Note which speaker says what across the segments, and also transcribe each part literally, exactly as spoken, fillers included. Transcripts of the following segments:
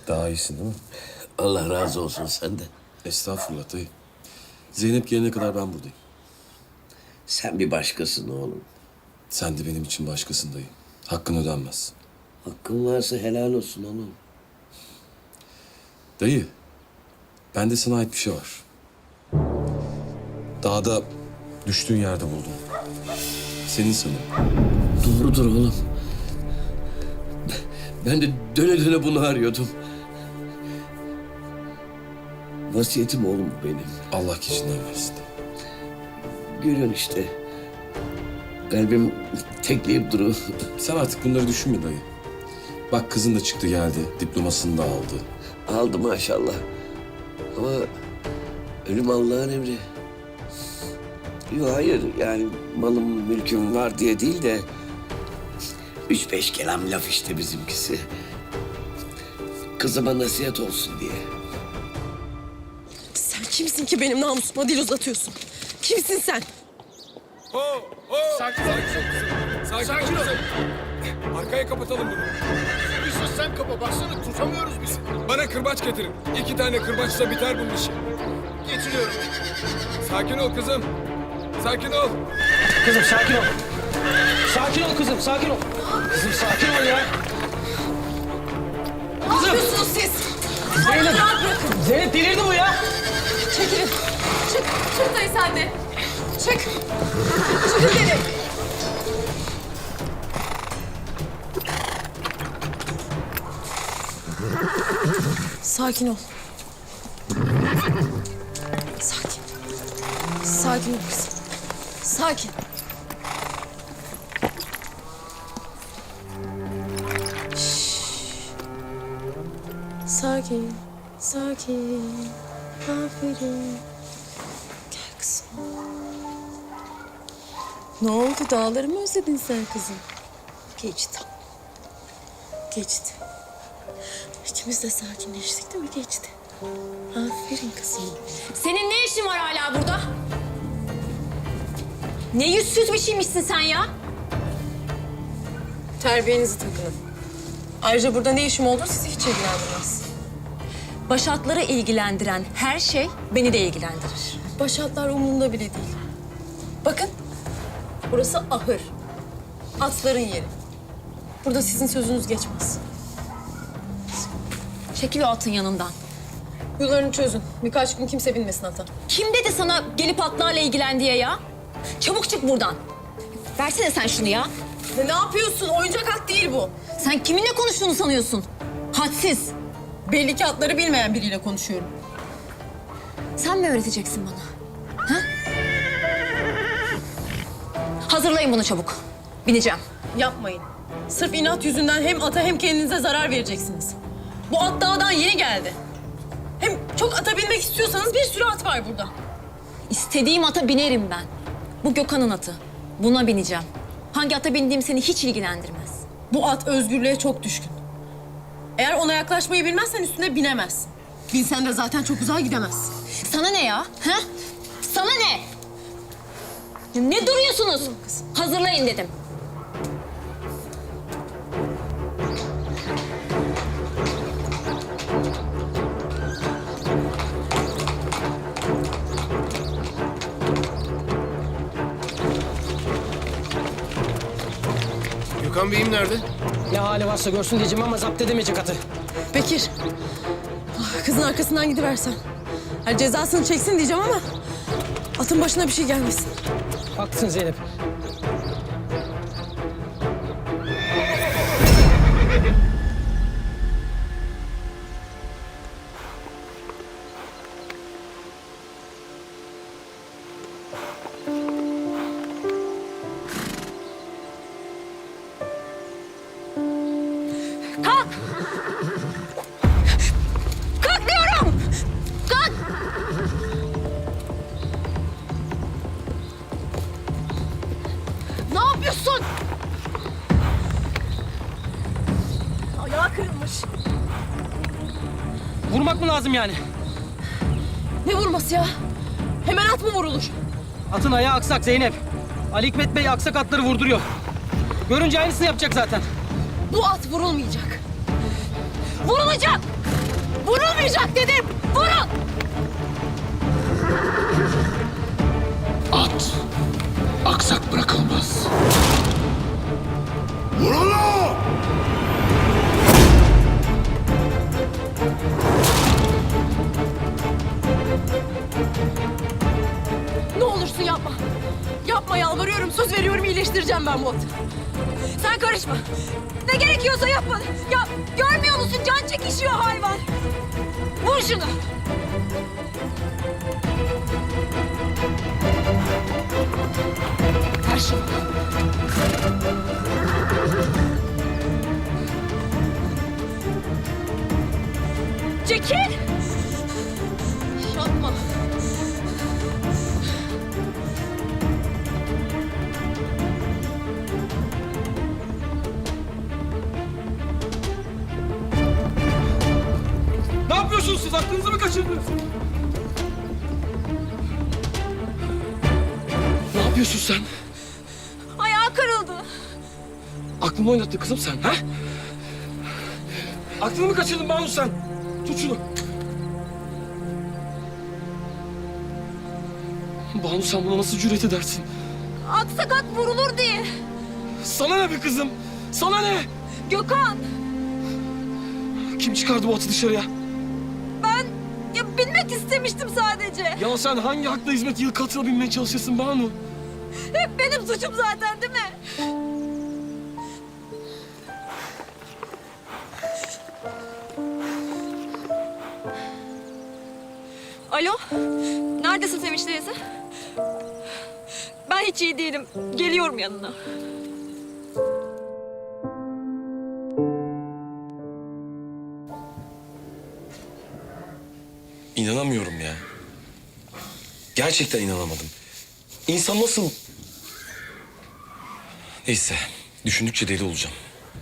Speaker 1: Daha iyisin değil mi?
Speaker 2: Allah razı olsun senden.
Speaker 1: Estağfurullah dayı. Zeynep gelene kadar ben buradayım.
Speaker 2: Sen bir başkasın oğlum.
Speaker 1: Sen de benim için başkasın dayı. Hakkın ödenmez.
Speaker 2: Hakkın varsa helal olsun oğlum.
Speaker 1: Dayı, bende sana ait bir şey var. Dağda düştüğün yerde buldum. Senin sanırım.
Speaker 2: Doğrudur oğlum. Ben de döne döne bunu arıyordum. Vasiyetim oğlum bu benim.
Speaker 1: Allah keçinden versin.
Speaker 2: Görüyorsun işte. Kalbim tekleyip duruyor.
Speaker 1: Sen artık bunları düşünme dayı. Bak kızın da çıktı geldi. Diplomasını da aldı.
Speaker 2: Aldı maşallah. Ama ölüm Allah'ın emri. Yok hayır yani malım mülküm var diye değil de... Üç beş kelam laf işte bizimkisi. Kızıma nasihat olsun diye.
Speaker 3: Sen kimsin ki benim namusuma dil uzatıyorsun? Kimsin sen?
Speaker 4: Ho, ho. Sakin ol. Sakin, Sakin ol. Arkaya kapatalım bunu.
Speaker 5: Bir sus sen kapa. Baksana tutamıyoruz biz.
Speaker 4: Bana kırbaç getirin. İki tane kırbaçla biter bunun işi.
Speaker 5: Getiriyorum.
Speaker 4: Sakin ol kızım. Sakin ol.
Speaker 6: Kızım sakin ol. Sakin ol kızım, sakin ol. Kızım sakin ol ya.
Speaker 3: Ne yapıyorsunuz siz?
Speaker 6: Zeynep.
Speaker 3: Rahat bırakın.
Speaker 6: Zeynep delirdi bu ya.
Speaker 3: Çekilin. Çık. Çık dayı sen de. Çık. Çıkın dedim. Sakin ol. Sakin. Sakin ol kızım. Sakin. Şşş. Sakin. Sakin. Aferin. Gel kızım. Ne oldu? Dağları mı özledin sen kızım? Geçti. Geçti. İkimiz de sakinleştik değil mi? Geçti. Aferin kızım.
Speaker 7: Senin ne işin var hala burada? Ne yüzsüz bir şeymişsin sen ya?
Speaker 3: Terbiyenizi takının. Ayrıca burada ne işim olduğu sizi hiç ilgilendirmez.
Speaker 7: Başatları ilgilendiren her şey beni de ilgilendirir.
Speaker 3: Başatlar umurumda bile değil. Bakın, burası ahır. Atların yeri. Burada sizin sözünüz geçmez.
Speaker 7: Çekil o atın yanından.
Speaker 3: Yularını çözün. Birkaç gün kimse binmesin ata.
Speaker 7: Kim dedi sana gelip atlarla ilgilen diye ya? Çabuk çık buradan. Versene sen şunu ya.
Speaker 3: Ne, ne yapıyorsun? Oyuncak at değil bu.
Speaker 7: Sen kiminle konuştuğunu sanıyorsun? Hadsiz.
Speaker 3: Belli ki atları bilmeyen biriyle konuşuyorum.
Speaker 7: Sen mi öğreteceksin bana? Ha? Hazırlayın bunu çabuk. Bineceğim.
Speaker 3: Yapmayın. Sırf inat yüzünden hem ata hem kendinize zarar vereceksiniz. Bu at dağdan yeni geldi. Hem çok ata binmek istiyorsanız bir sürü at var burada.
Speaker 7: İstediğim ata binerim ben. Bu Gökhan'ın atı. Buna bineceğim. Hangi ata bindiğim seni hiç ilgilendirmez.
Speaker 3: Bu at özgürlüğe çok düşkün. Eğer ona yaklaşmayı bilmezsen üstüne binemezsin. Binsen de zaten çok uzağa gidemezsin.
Speaker 7: Sana ne ya? Ha? Sana ne? Ne duruyorsunuz? Hazırlayın dedim.
Speaker 5: Gökhan Bey'im nerede?
Speaker 6: Ne hali varsa görsün diyeceğim ama zapt edemeyecek atı.
Speaker 3: Bekir, ah, kızın arkasından gidiversen. Yani cezasını çeksin diyeceğim ama atın başına bir şey gelmesin.
Speaker 6: Haklısın Zeynep.
Speaker 7: Kalk! Kalk diyorum! Kalk! Ne yapıyorsun?
Speaker 3: Ayağı kırılmış.
Speaker 6: Vurmak mı lazım yani?
Speaker 3: Ne vurması ya? Hemen at mı vurulur?
Speaker 6: Atın ayağı aksak Zeynep. Ali Hikmet Bey aksak atları vurduruyor. Görünce aynısını yapacak zaten.
Speaker 3: Bu at vurulmayacak. Vurulacak!
Speaker 8: bineceğim ben bu ata. Sen karışma. Ne gerekiyorsa yapın. Ya görmüyor musun? Can çekişiyor hayvan. Vur şunu. Ver şunu. Çekil. Yapma.
Speaker 4: Ne yapıyorsunuz siz? Aklınızı mı kaçırdınız? Ne yapıyorsun sen?
Speaker 8: Ayağı kırıldı.
Speaker 4: Aklımı oynattın kızım sen, ha? Aklını mı kaçırdın Banu sen? Tut şunu. Banu sen buna nasıl cüret edersin?
Speaker 8: Aksakat vurulur diye.
Speaker 4: Sana ne be kızım? Sana ne?
Speaker 8: Gökhan,
Speaker 4: Kim çıkardı bu atı dışarıya?
Speaker 8: ben ya bilmek istemiştim sadece.
Speaker 4: Ya sen hangi hakla hizmet yıl katına binmeye çalışırsın Banu?
Speaker 8: Hep benim suçum zaten değil mi? Alo, neredesin Sevinç teyze? Ben hiç iyi değilim. Geliyorum yanına.
Speaker 1: İnanamıyorum ya. Gerçekten inanamadım. İnsan nasıl... Neyse, düşündükçe deli olacağım.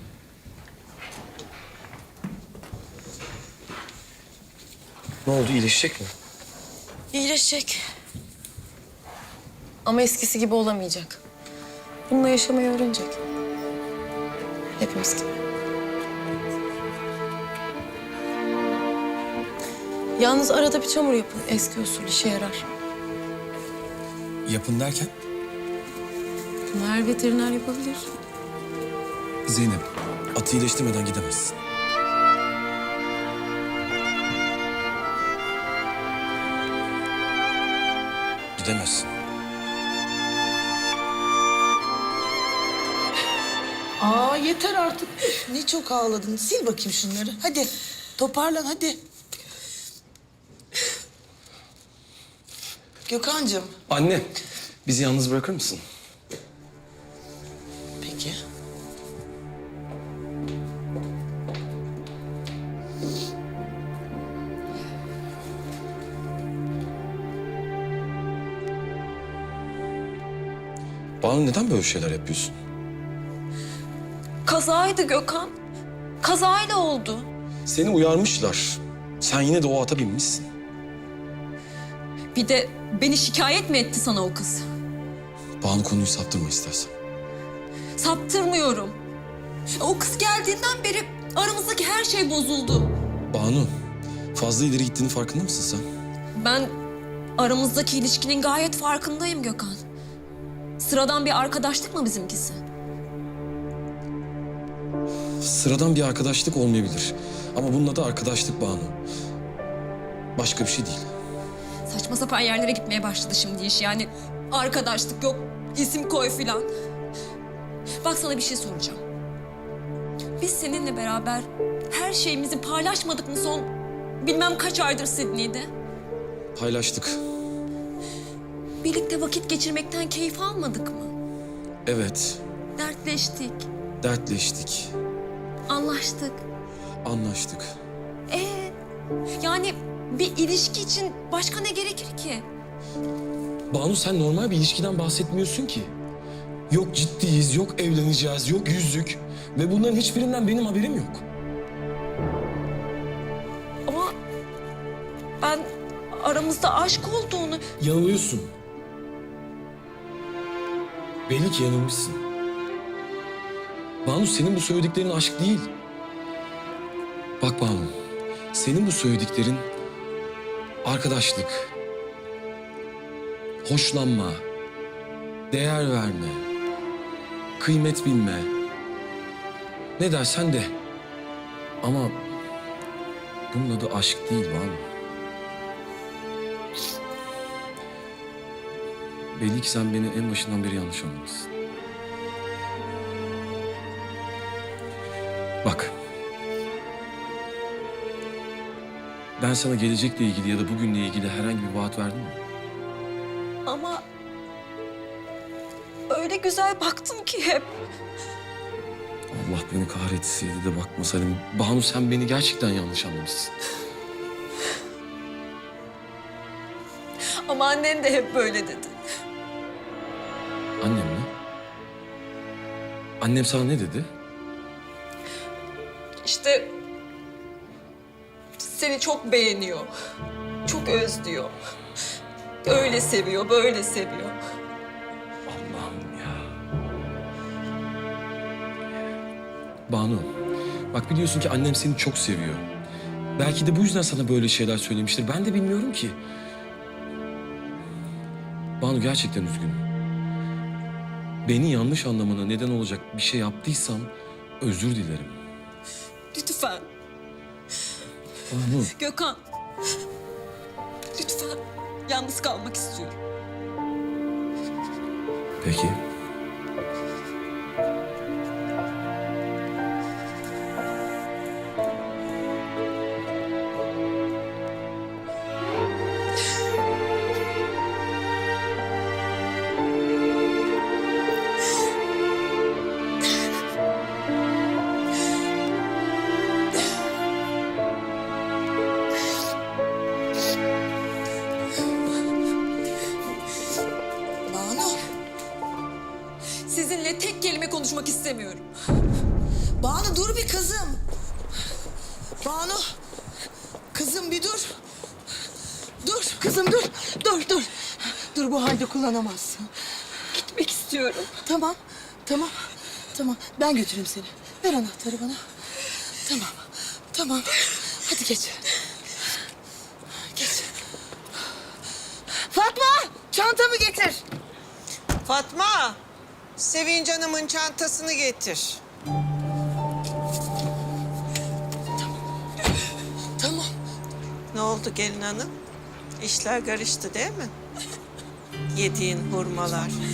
Speaker 1: Ne oldu, iyileşecek mi?
Speaker 3: İyileşecek. Ama eskisi gibi olamayacak. Bununla yaşamayı öğrenecek. Hepimiz gibi. Yalnız arada bir çamur yapın. Eski usul işe yarar.
Speaker 1: Yapın derken?
Speaker 3: Bunu her veteriner yapabilir.
Speaker 1: Zeynep, atı iyileştirmeden gidemezsin. Gidemezsin.
Speaker 9: Aa yeter artık. Üf, ne çok ağladın. Sil bakayım şunları. Hadi toparlan hadi. Gökhan'cığım.
Speaker 1: Anne, bizi yalnız bırakır mısın?
Speaker 9: Peki.
Speaker 1: Banu neden böyle şeyler yapıyorsun?
Speaker 3: Kazaydı Gökhan. Kazayla oldu.
Speaker 1: Seni uyarmışlar. Sen yine de o ata binmişsin.
Speaker 7: Bir de beni şikayet mi etti sana o kız?
Speaker 1: Banu konuyu saptırma istersen.
Speaker 7: Saptırmıyorum. O kız geldiğinden beri aramızdaki her şey bozuldu.
Speaker 1: Banu, fazla ileri gittiğinin farkında mısın sen?
Speaker 7: Ben aramızdaki ilişkinin gayet farkındayım Gökhan. Sıradan bir arkadaşlık mı bizimkisi?
Speaker 1: Sıradan bir arkadaşlık olmayabilir. Ama bunun adı arkadaşlık Banu. Başka bir şey değil.
Speaker 7: Saçma sapan yerlere gitmeye başladı şimdi iş. Yani arkadaşlık yok, isim koy filan. Bak sana bir şey soracağım. Biz seninle beraber her şeyimizi paylaşmadık mı son bilmem kaç aydır Sydney'de?
Speaker 1: Paylaştık.
Speaker 7: Birlikte vakit geçirmekten keyif almadık mı?
Speaker 1: Evet,
Speaker 7: Dertleştik,
Speaker 1: dertleştik,
Speaker 7: anlaştık.
Speaker 1: anlaştık.
Speaker 7: Ee, yani bir ilişki için başka ne gerekir ki?
Speaker 1: Banu sen normal bir ilişkiden bahsetmiyorsun ki. Yok ciddiyiz, yok evleneceğiz, yok yüzük. Ve bunların hiçbirinden benim haberim yok.
Speaker 7: Ama ben aramızda aşk olduğunu...
Speaker 1: Yanılıyorsun. Belli ki yanılmışsın. Banu senin bu söylediklerin aşk değil. Bak Banu, senin bu söylediklerin arkadaşlık, hoşlanma, değer verme, kıymet bilme. Ne dersen de. Ama bunun adı aşk değil Banu. Belli ki sen beni en başından beri yanlış anlamışsın. Ben sana gelecekle ilgili ya da bugünle ilgili herhangi bir vaat verdim mi?
Speaker 7: Ama öyle güzel baktım ki hep.
Speaker 1: Allah beni kahretsin de bakmasaydım. Banu sen beni gerçekten yanlış anlamışsın.
Speaker 7: Ama annen de hep böyle dedi.
Speaker 1: Annem mi? Annem sana ne dedi?
Speaker 7: İşte seni çok beğeniyor. Çok özlüyor. Öyle seviyor, böyle seviyor.
Speaker 1: Allah'ım ya. Banu, bak biliyorsun ki annem seni çok seviyor. Belki de bu yüzden sana böyle şeyler söylemiştir. Ben de bilmiyorum ki. Banu gerçekten üzgünüm. Beni yanlış anlamana neden olacak bir şey yaptıysam özür dilerim.
Speaker 7: Lütfen.
Speaker 1: Banu.
Speaker 7: Gökhan. Lütfen. Yalnız kalmak istiyorum.
Speaker 1: Peki.
Speaker 9: Banu,
Speaker 7: Sizinle tek kelime konuşmak istemiyorum.
Speaker 9: Banu dur bir kızım. Banu, kızım bir dur. Dur kızım dur, dur dur. Dur bu halde kullanamazsın.
Speaker 7: Gitmek istiyorum.
Speaker 9: Tamam, tamam, tamam. Ben götüreyim seni. Ver anahtarı bana. Tamam, tamam. Hadi geç. Geç. Fatma, çantamı getir.
Speaker 10: Fatma, Sevinç Hanım'ın çantasını getir.
Speaker 9: Tamam.
Speaker 10: Ne oldu gelin hanım? İşler karıştı değil mi? Yediğin hurmalar,